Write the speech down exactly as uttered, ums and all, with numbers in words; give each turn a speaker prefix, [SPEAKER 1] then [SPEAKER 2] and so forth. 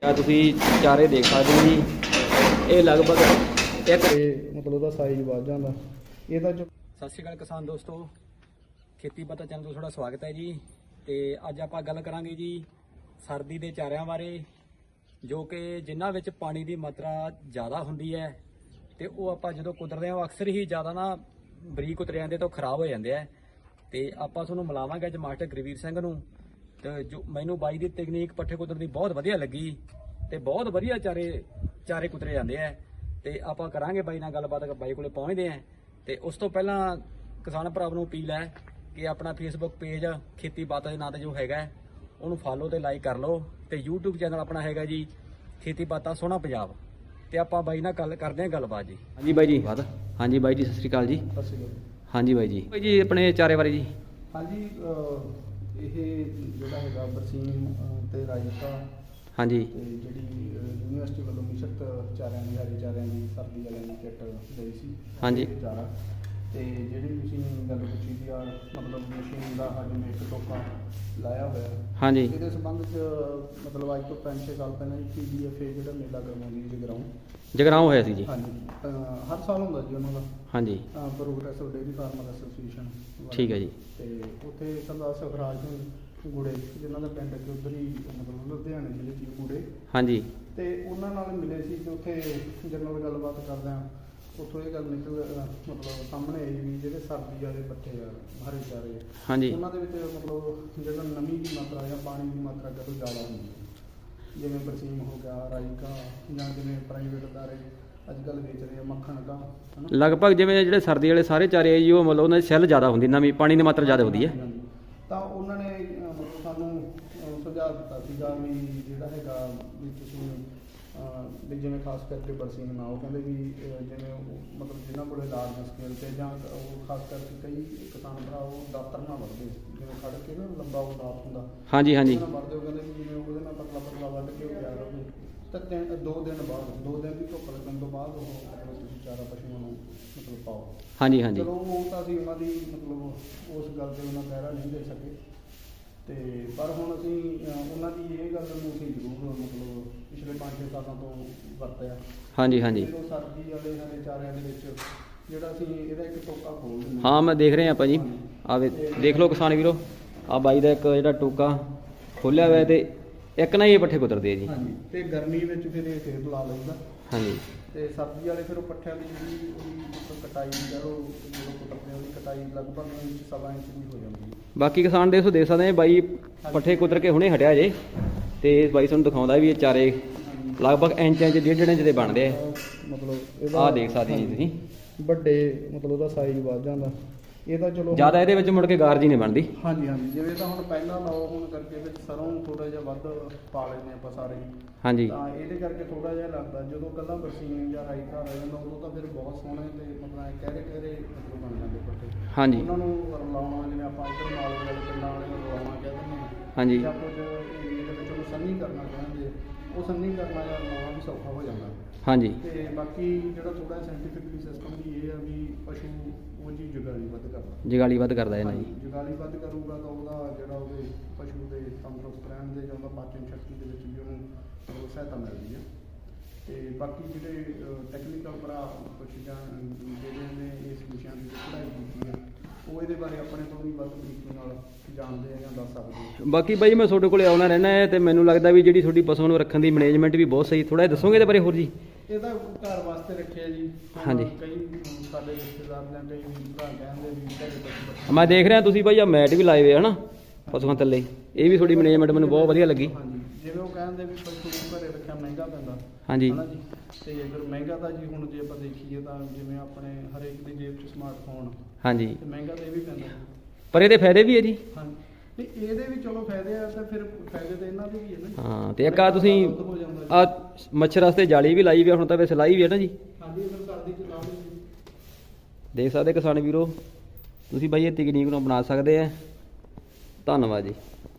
[SPEAKER 1] ਤੁਸੀਂ ਚਾਰੇ ਦੇਖ ਸਕਦੇ ਹੋ ਜੀ, ਇਹ ਲਗਭਗ ਇੱਕ
[SPEAKER 2] ਮਤਲਬ ਉਹਦਾ ਸਾਈਜ਼ ਵੱਧ ਜਾਂਦਾ ਇਹਦਾ।
[SPEAKER 1] ਸਤਿ ਸ਼੍ਰੀ ਅਕਾਲ ਕਿਸਾਨ ਦੋਸਤੋ, ਖੇਤੀ ਪਤਾ ਚੈਨਲ ਤੋਂ ਤੁਹਾਡਾ ਸਵਾਗਤ ਹੈ ਜੀ। ਤੇ ਅੱਜ ਆਪਾਂ ਗੱਲ ਕਰਾਂਗੇ ਜੀ ਸਰਦੀ ਦੇ ਚਾਰਿਆਂ ਬਾਰੇ, ਜੋ ਕਿ ਜਿਨ੍ਹਾਂ ਵਿੱਚ ਪਾਣੀ ਦੀ ਮਾਤਰਾ ਜ਼ਿਆਦਾ ਹੁੰਦੀ ਹੈ ਤੇ ਉਹ ਆਪਾਂ ਜਦੋਂ ਕੁਤਰਦੇ ਹਾਂ ਉਹ ਅਕਸਰ ਹੀ ਜ਼ਿਆਦਾ ਨਾ ਬਰੀਕ ਉਤਰ ਜਾਂਦੇ ਤਾਂ ਖਰਾਬ ਹੋ ਜਾਂਦੇ ਆ। ਤੇ ਆਪਾਂ ਤੁਹਾਨੂੰ ਮਿਲਾਵਾਂਗੇ ਅੱਜ ਮਾਸਟਰ ਗੁਰਵੀਰ ਸਿੰਘ ਨੂੰ, ਤੇ ਜੋ ਮੈਨੂੰ ਬਾਈ ਦੀ ਤਕਨੀਕ ਪੱਠੇ ਕੁਤਰਨ ਦੀ ਬਹੁਤ ਵਧੀਆ ਲੱਗੀ ਤੇ ਬਹੁਤ ਵਧੀਆ ਚਾਰੇ ਚਾਰੇ ਕੁਤਰੇ ਜਾਂਦੇ ਆ। ਤੇ ਆਪਾਂ ਕਰਾਂਗੇ ਬਾਈ ਨਾਲ ਗੱਲਬਾਤ, ਬਾਈ ਕੋਲੇ ਪਹੁੰਚਦੇ ਆ। ਤੇ ਉਸ ਤੋਂ ਪਹਿਲਾਂ ਕਿਸਾਨ ਭਰਾਵਾਂ ਨੂੰ ਅਪੀਲ ਹੈ ਕਿ ਆਪਣਾ ਫੇਸਬੁੱਕ ਪੇਜ ਖੇਤੀ ਬਾਤਾਂ ਦੇ ਨਾਂ ਤੇ ਜੋ ਹੈਗਾ ਉਹਨੂੰ ਫਾਲੋ ਤੇ ਲਾਈਕ ਕਰ ਲਓ, ਤੇ ਯੂਟਿਊਬ ਚੈਨਲ ਆਪਣਾ ਹੈਗਾ ਜੀ ਖੇਤੀ ਬਾਤਾਂ ਸੋਹਣਾ ਪੰਜਾਬ। ਤੇ ਆਪਾਂ ਬਾਈ ਨਾਲ ਗੱਲ ਕਰਦੇ ਹਾਂ ਗੱਲਬਾਤ ਜੀ। ਹਾਂਜੀ ਬਾਈ ਜੀ, ਹਾਂਜੀ ਬਾਈ ਜੀ, ਸਤਿ ਸ਼੍ਰੀ ਅਕਾਲ ਜੀ।
[SPEAKER 2] ਸਤਿ ਸ਼੍ਰੀ ਅਕਾਲ।
[SPEAKER 1] ਹਾਂਜੀ ਬਾਈ ਜੀ, ਬਾਈ ਜੀ ਆਪਣੇ ਚਾਰੇ ਬਾਰੇ ਜੀ।
[SPEAKER 2] ਹਾਂਜੀ, ਇਹ ਜਿਹੜਾ ਹੈਗਾ ਬਰਸੀਮ ਤੇ ਰਾਇਤਾ,
[SPEAKER 1] ਹਾਂਜੀ,
[SPEAKER 2] ਤੇ ਜਿਹੜੀ ਯੂਨੀਵਰਸਿਟੀ ਵੱਲੋਂ ਮਿਸ਼ਰਤ ਚਾਰਿਆਂ ਦੀ ਹਰੀ ਚਾਰਿਆਂ ਦੀ ਸਰਦੀ ਵਾਲਿਆਂ ਦੀ ਕਿੱਟ ਲਈ ਸੀ।
[SPEAKER 1] ਹਾਂਜੀ
[SPEAKER 2] ਚਾਰਾ ਤੇ ਜਿਹੜੀ ਤੁਸੀਂ ਗੱਲ ਪੁੱਛੀ ਦੀ ਆ, ਮਤਲਬ ਮਸ਼ੀਨ ਦਾ ਅੱਜ ਮੈਂ ਇੱਕ ਟੋਕਾ ਲਾਇਆ ਹੋਇਆ।
[SPEAKER 1] ਹਾਂਜੀ,
[SPEAKER 2] ਇਹਦੇ ਸੰਬੰਧ 'ਚ ਮਤਲਬ ਅੱਜ ਤੋਂ ਪੰਜ ਛੇ ਸਾਲ ਪਹਿਲਾਂ ਜੀ ਪੀ ਡੀ ਐਫ ਏ ਜਿਹੜਾ ਮੇਲਾ ਕਰਵਾਉਂਦੀ ਜਗਰਾਉਂ
[SPEAKER 1] ਜਗਰਾਉਂ ਹੋਇਆ ਸੀ ਜੀ।
[SPEAKER 2] ਹਾਂਜੀ, ਹਰ ਸਾਲ ਹੁੰਦਾ ਜੀ ਉਹਨਾਂ ਦਾ।
[SPEAKER 1] ਹਾਂਜੀ,
[SPEAKER 2] ਪ੍ਰੋਗਰੈਸਿਵ ਡੇਅਰੀ ਫਾਰਮਰ ਐਸੋਸੀਏਸ਼ਨ।
[SPEAKER 1] ਠੀਕ ਹੈ ਜੀ।
[SPEAKER 2] ਤੇ ਉੱਥੇ ਸਰਦਾਰ ਸੁਖਰਾਜ ਸਿੰਘ ਗੁੜੇ, ਜਿਨ੍ਹਾਂ ਦਾ ਪਿੰਡ ਅੱਗੇ ਉੱਧਰ ਹੀ ਮਤਲਬ ਲੁਧਿਆਣੇ ਜ਼ਿਲ੍ਹੇ 'ਚ ਗੁੜੇ।
[SPEAKER 1] ਹਾਂਜੀ,
[SPEAKER 2] ਤੇ ਉਹਨਾਂ ਨਾਲ ਮਿਲੇ ਸੀ ਤੇ ਉੱਥੇ ਜਨਰਲ ਗੱਲਬਾਤ ਕਰਦਿਆਂ ਉੱਥੋਂ ਇਹ ਗੱਲ ਨਿਕਲ ਮਤਲਬ ਸਾਹਮਣੇ ਆਈ ਵੀ ਜਿਹੜੇ ਸਰਦੀ ਵਾਲੇ ਪੱਠੇ ਆ ਹਰੇ ਚਾਰੇ,
[SPEAKER 1] ਹਾਂਜੀ,
[SPEAKER 2] ਉਹਨਾਂ ਦੇ ਵਿੱਚ ਮਤਲਬ ਜਿਹੜਾ ਨਮੀ ਦੀ ਮਾਤਰਾ ਜਾਂ ਪਾਣੀ ਦੀ ਮਾਤਰਾ ਕਦੋਂ ਜ਼ਿਆਦਾ ਹੁੰਦੀ ਹੈ, ਜਿਵੇਂ ਬਰਸੀਮ ਹੋ ਗਿਆ, ਰਾਈਕਾ, ਜਾਂ ਜਿਵੇਂ ਪ੍ਰਾਈਵੇਟ ਅਦਾਰੇ ਅੱਜ ਕੱਲ੍ਹ ਵੇਚ ਰਹੇ ਆ ਮੱਖਣ ਦਾ,
[SPEAKER 1] ਲਗਭਗ ਜਿਵੇਂ ਜਿਹੜੇ ਸਰਦੀ ਵਾਲੇ ਸਾਰੇ ਚਾਰੇ ਆ ਜੀ, ਉਹ ਮਤਲਬ ਉਹਨਾਂ ਦੀ ਸੈੱਲ ਜ਼ਿਆਦਾ ਹੁੰਦੀ, ਨਵੀਂ ਪਾਣੀ ਦੀ ਮਾਤਰਾ ਜ਼ਿਆਦਾ ਹੁੰਦੀ ਹੈ।
[SPEAKER 2] ਤਾਂ ਉਹਨਾਂ ਨੇ ਮਤਲਬ ਸਾਨੂੰ ਸੁਝਾਅ ਦਿੱਤਾ ਸੀਗਾ ਵੀ ਜਿਹੜਾ ਹੈਗਾ ਵੀ ਤੁਸੀਂ ਵੀ ਜਿਵੇਂ ਖਾਸ ਕਰਕੇ ਬਰਸੀਮ ਨਾ, ਉਹ ਕਹਿੰਦੇ ਵੀ ਜਿਵੇਂ ਮਤਲਬ ਜਿਨ੍ਹਾਂ ਕੋਲ ਲਾਰਜ ਸਕੇਲ 'ਤੇ ਜਾਂ ਉਹ ਖਾਸ ਕਰਕੇ ਕਈ ਕਿਸਾਨ ਭਰਾ ਉਹ ਦਾਤਰ ਨਾਲ ਵੱਢਦੇ, ਜਿਵੇਂ ਖੜ੍ਹ ਕੇ ਨਾ ਲੰਬਾ ਉਹ ਦਾਤ ਹੁੰਦਾ,
[SPEAKER 1] ਹਾਂਜੀ ਹਾਂਜੀ,
[SPEAKER 2] ਉਹਦੇ ਨਾਲ ਵੱਢਦੇ। ਉਹ ਕਹਿੰਦੇ ਵੀ ਜਿਵੇਂ ਉਹਦੇ ਨਾਲ ਪਤਲਾ ਪਤਲਾ ਵੱਢ ਕੇ ਉਹ ਤਿਆਰ ਹੋਵੇ ਤਾਂ ਤਿੰਨ ਦੋ ਦਿਨ ਬਾਅਦ ਦੋ ਦਿਨ ਦੀ ਧੁੱਪ ਲੱਗਣ ਤੋਂ ਬਾਅਦ ਉਹ ਮਤਲਬ ਤੁਸੀਂ ਚਾਰਾ ਪਸ਼ੂਆਂ ਨੂੰ ਮਤਲਬ ਪਾਓ। ਹਾਂਜੀ ਹਾਂਜੀ, ਚਲੋ ਉਹ ਤਾਂ ਅਸੀਂ ਉਹਨਾਂ ਦੀ ਮਤਲਬ ਉਸ ਗੱਲ 'ਤੇ ਉਹਨਾਂ ਪਹਿਰਾ ਨਹੀਂ ਦੇ ਸਕੇ, ਤੇ ਪਰ ਹੁਣ ਅਸੀਂ ਉਹਨਾਂ ਦੀ ਇਹ ਗੱਲ ਨੂੰ ਅਸੀਂ ਜ਼ਰੂਰ ਮਤਲਬ ਪਿਛਲੇ ਪੰਜ ਛੇ ਸਾਲਾਂ ਤੋਂ ਵਰਤਿਆ। ਹਾਂਜੀ ਹਾਂਜੀ, ਜਦੋਂ ਸਰਦੀ ਵਾਲੇ ਸਾਡੇ ਚਾਰਿਆਂ ਦੇ ਵਿੱਚ ਜਿਹੜਾ ਅਸੀਂ ਇਹਦਾ ਇੱਕ ਟੋਕਾ ਖੋਲ ਦਿੰਦੇ। ਹਾਂ ਮੈਂ ਦੇਖ ਰਿਹਾ ਆਪਾਂ ਜੀ, ਆ ਦੇਖ ਲਓ ਕਿਸਾਨ ਵੀਰੋ, ਆ ਬਾਈ ਦਾ ਇੱਕ ਜਿਹੜਾ ਟੋਕਾ ਖੋਲਿਆ ਹੋਇਆ ਤੇ ਇੱਕ ਨਾ ਹੀ ਇਹ ਪੱਠੇ ਕੁਤਰਦੇ ਆ ਜੀ। ਹਾਂਜੀ, ਤੇ ਗਰਮੀ ਵਿੱਚ ਫਿਰ ਇਹ ਫੇਰ ਲਾ ਲੈਂਦਾ। ਹਾਂਜੀ, ਤੇ ਸਰਦੀ ਵਾਲੇ ਫਿਰ ਉਹ ਪੱਠਿਆਂ ਦੀ ਜਿਹੜੀ ਉਹਦੀ ਮਤਲਬ ਕਟਾਈ ਕਰੋ, ਜਦੋਂ ਕੁਤਰਦੇ ਉਹਦੀ ਕਟਾਈ ਲਗਭਗ ਇੰਚ ਸਵਾ ਇੰਚ ਦੀ ਹੋ ਜਾਂਦੀ ਹੈ। ਬਾਕੀ ਕਿਸਾਨ ਦੇ ਦੇਖ ਸਕਦੇ ਬਾਈ ਪੱਠੇ ਕੁਤਰ ਕੇ ਹੁਣੇ ਹਟਿਆ ਜੇ, ਤੇ ਬਾਈ ਤੁਹਾਨੂੰ ਦਿਖਾਉਂਦਾ ਵੀ ਇਹ ਚਾਰੇ ਲਗਭਗ ਇੰਚ ਇੰਚ ਡੇਢ ਡੇਢ ਇੰਚ ਦੇ ਬਣਦੇ ਆ। ਮਤਲਬ ਆਹ ਦੇਖ ਸਕਦੇ ਜੀ ਤੁਸੀਂ, ਵੱਡੇ ਮਤਲਬ ਉਹਦਾ ਸਾਈਜ਼ ਵੱਧ ਜਾਂਦਾ ਇਹਦਾ। ਚਲੋ ਜ਼ਿਆਦਾ ਇਹਦੇ ਵਿੱਚ ਮੁੜ ਕੇ ਗਾਰਜੀ ਨਹੀਂ ਬਣਦੀ। ਹਾਂਜੀ ਹਾਂਜੀ, ਜਿਵੇਂ ਤਾਂ ਹੁਣ ਪਹਿਲਾਂ ਲਾਓ ਹੁਣ ਕਰਕੇ ਵਿੱਚ ਸਰੋਂ ਥੋੜਾ ਜਿਹਾ ਵੱਧ ਪਾ ਲੈਂਦੇ ਆਪਾਂ ਸਾਰੇ। ਹਾਂਜੀ, ਤਾਂ ਇਹਦੇ ਕਰਕੇ ਥੋੜਾ ਜਿਹਾ ਲੱਗਦਾ। ਜਦੋਂ ਕੱਲਾ ਬਰਸੀਮ ਜਾਂ ਰਾਈਤਾ ਰਹਿ ਜਾਂਦਾ ਉਦੋਂ ਤਾਂ ਫਿਰ ਬਹੁਤ ਸੋਹਣੇ ਤੇ ਮਤਲਬ ਕਹਿਰੇ ਕਹਿਰੇ ਮਤਲਬ ਬਣ ਜਾਂਦੇ ਪੱਠੇ। ਹਾਂਜੀ, ਉਹਨਾਂ ਨੂੰ ਰਲਾਉਣਾ, ਜਿਵੇਂ ਆਪਾਂ ਇੱਧਰ ਨਾਲ ਵਾਲੇ ਪਿੰਡਾਂ ਵਾਲੇ ਨੂੰ ਰਲਾਉਣਾ ਕਹਿ ਦਿੰਦੇ ਹਾਂ। ਹਾਂਜੀ, ਜਾਂ ਕੁਝ ਏਰੀਏ ਦੇ ਵਿੱਚ ਉਹਨੂੰ ਸੰਨੀ ਕਰਨਾ ਕਹਿੰਦੇ, ਉਹ ਸੰਨੀ ਕਰਨਾ ਜਾਂ ਰਲਾਉਣਾ ਵੀ ਸੌਖਾ ਹੋ ਜਾਂਦਾ। ਹਾਂਜੀ, ਤੇ ਬਾਕੀ ਜਿਹੜਾ ਥੋੜਾ ਸਾਇੰਟੀਫਿਕਲੀ ਸਿਸਟਮ ਵੀ ਇਹ ਆ ਵੀ ਪਸ਼ੂ ਉਹ ਜੀ ਜੁਗਾਲੀ ਵੱਧ ਕਰਦਾ। ਜੁਗਾਲੀ ਵੱਧ ਕਰਦਾ ਇਹ ਨਾ ਜੀ, ਜੁਗਾਲੀ ਵੱਧ ਕਰੂਗਾ ਤਾਂ ਉਹਦਾ ਜਿਹੜਾ ਉਹਦੇ ਪਸ਼ੂ ਦੇ ਤੰਦਰੁਸਤ ਰਹਿਣ ਦੇ ਜਾਂ ਉਹਦਾ ਪਾਚਨ ਸ਼ਕਤੀ ਦੇ ਵਿੱਚ ਵੀ ਉਹਨੂੰ ਸਹਾਇਤਾ ਮਿਲਦੀ ਹੈ। ਤੇ ਬਾਕੀ ਜਿਹੜੇ ਟੈਕਨੀਕਲ ਭਰਾ ਕੁਛ ਜਾਂ ਜਿਹੜੇ ਨੇ ਇਸ ਵਿਸ਼ਿਆਂ ਦੀ ਪੜ੍ਹਾਈ ਕੀਤੀ ਆ, ਉਹ ਇਹਦੇ ਬਾਰੇ ਆਪਣੇ ਤੋਂ ਵੀ ਵੱਧ ਤਰੀਕੇ ਨਾਲ ਜਾਣਦੇ ਆ ਜਾਂ ਦੱਸ ਸਕਦੇ। ਬਾਕੀ ਬਾਈ ਮੈਂ ਤੁਹਾਡੇ ਕੋਲੇ ਆਉਣਾ ਰਹਿਣਾ ਹੈ, ਤੇ ਮੈਨੂੰ ਲੱਗਦਾ ਵੀ ਜਿਹੜੀ ਤੁਹਾਡੀ ਪਸ਼ੂ ਨੂੰ ਰੱਖਣ ਦੀ ਮੈਨੇਜਮੈਂਟ ਵੀ ਬਹੁਤ ਸਹੀ। ਥੋੜਾ ਜਿਹਾ ਦੱਸੋਗੇ ਇਹਦੇ ਬਾਰੇ ਹੋਰ ਜੀ? ਇਹਦਾ ਘਰ ਵਾਸਤੇ ਰੱਖਿਆ ਜੀ। ਹਾਂਜੀ, ਕਈ ਸਾਡੇ ਰਿਸ਼ਤੇਦਾਰ ਜਾਂ ਕਈ ਭਰਾ ਕਹਿੰਦੇ ਵੀ ਘਰੇ ਪਸ਼ੂ, ਮੈਂ ਦੇਖ ਰਿਹਾ ਤੁਸੀਂ ਬਾਈ ਆ ਮੈਟ ਵੀ ਲਾਏ ਹੋਏ ਹਨਾ ਪਸ਼ੂਆਂ ਥੱਲੇ, ਇਹ ਵੀ ਤੁਹਾਡੀ ਮੈਨੇਜਮੈਂਟ ਮੈਨੂੰ ਬਹੁਤ ਵਧੀਆ ਲੱਗੀ। ਹਾਂਜੀ, ਜਿਵੇਂ ਉਹ ਕਹਿੰਦੇ ਵੀ ਪਸ਼ੂ ਘਰੇ ਰੱਖਿਆ ਮਹਿੰਗਾ ਪੈਂਦਾ। ਹਾਂਜੀ, ਹਨਾ ਜੀ, ਤੇ ਅਗਰ ਮਹਿੰਗਾ ਤਾਂ ਜੀ ਹੁਣ ਜੇ ਆਪਾਂ ਦੇਖੀਏ ਤਾਂ ਜਿਵੇਂ ਆਪਣੇ ਹਰੇਕ ਦੀ ਜੇਬ 'ਚ ਸਮਾਰਟਫੋਨ। ਹਾਂਜੀ, ਤੇ ਮਹਿੰਗਾ ਤਾਂ ਇਹ ਵੀ ਪੈਂਦਾ, ਪਰ ਇਹਦੇ ਫਾਇਦੇ ਵੀ ਹੈ ਜੀ। ਹਾਂਜੀ, ਨਹੀਂ ਇਹਦੇ ਵੀ ਚਲੋ ਫਾਇਦੇ ਆ, ਤਾਂ ਫਿਰ ਫਾਇਦੇ ਤਾਂ ਇਹਨਾਂ ਦੇ ਵੀ ਹੈ ਨਾ। ਹਾਂ, ਤੇ ਇੱਕ ਆ ਤੁਸੀਂ ਆ ਮੱਛਰ ਵਾਸਤੇ ਜਾਲੀ ਵੀ ਲਾਈ ਵੀ, ਹੁਣ ਤਾਂ ਵੈਸੇ ਲਾਈ ਵੀ ਹੈ ਨਾ ਜੀ। ਹਾਂਜੀ, ਫਿਰ ਸਰਦੀ 'ਚ ਲਾ ਲਈ। ਦੇਖ ਸਕਦੇ ਕਿਸਾਨ ਵੀਰੋ ਤੁਸੀਂ ਬਾਈ ਇਹ ਤਕਨੀਕ ਨੂੰ ਅਪਣਾ ਸਕਦੇ ਆ। ਧੰਨਵਾਦ ਜੀ।